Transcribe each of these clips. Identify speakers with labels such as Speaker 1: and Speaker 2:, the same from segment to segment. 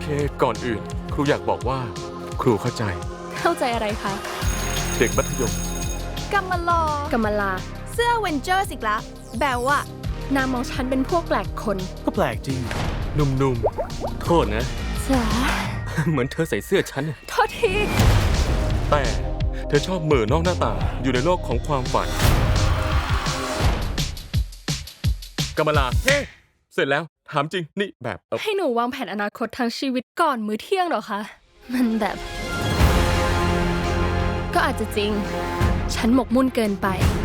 Speaker 1: ก่อนอื่น ครูอยากบอกว่าครูเข้าใจ
Speaker 2: เข้าใจอะไรคะ
Speaker 1: เด็กมัธยม
Speaker 3: กัมมาลอก
Speaker 2: ำมะลา
Speaker 3: เสื้อเวนเจอร์สิกละแบลว่าน
Speaker 2: ามองฉันเป็นพวกแปลกคน
Speaker 4: ก็แปลกจริง
Speaker 1: หนุ่ม
Speaker 5: โทษนะ
Speaker 2: จ๋า
Speaker 5: เหมือนเธอใส่เสื้อฉัน
Speaker 2: โทษที
Speaker 1: ๆ แต่เธอชอบเหม่อนอกหน้าต่างอยู่ในโลกของความฝันกำมะลา เฮ้ เสร็จแล้ว ถามจริง นี่แบบ
Speaker 2: ให้หนูวางแผนอนาคตทางชีวิตก่อนมื้อเที่ยงเหรอคะ มันแบบ ก็อาจจะจริง ฉันหมกมุ่นเกินไป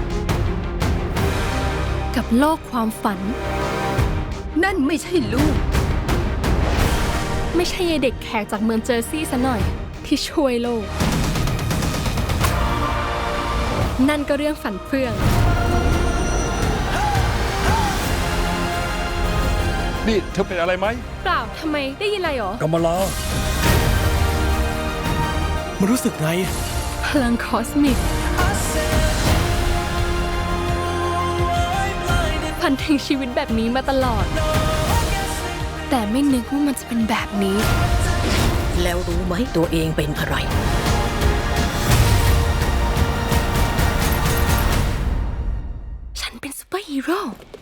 Speaker 2: กับโลกความฝัน
Speaker 3: นั่นไม่ใช่ลูก
Speaker 2: ไม่ใช่ยายเด็กแขกจากเมืองเจอร์ซีย์ซะหน่อย ที่ช่วยโลก นั่นก็เรื่องฝันเฟื่อง
Speaker 4: นี่เธอเป็นอะไรไหม
Speaker 2: เปล่าทำไมได้ยินอะไรหรอ
Speaker 4: กัมมาลามันรู้สึกไง
Speaker 2: พลังคอสมิกฝันถึงชีวิตแบบนี้มาตลอด แต่ไม่นึกว่ามันจะเป็นแบบนี้
Speaker 6: แล้วรู้ไหมตัวเองเป็นอะไร
Speaker 2: ฉันเป็นซูเปอร์ฮีโร่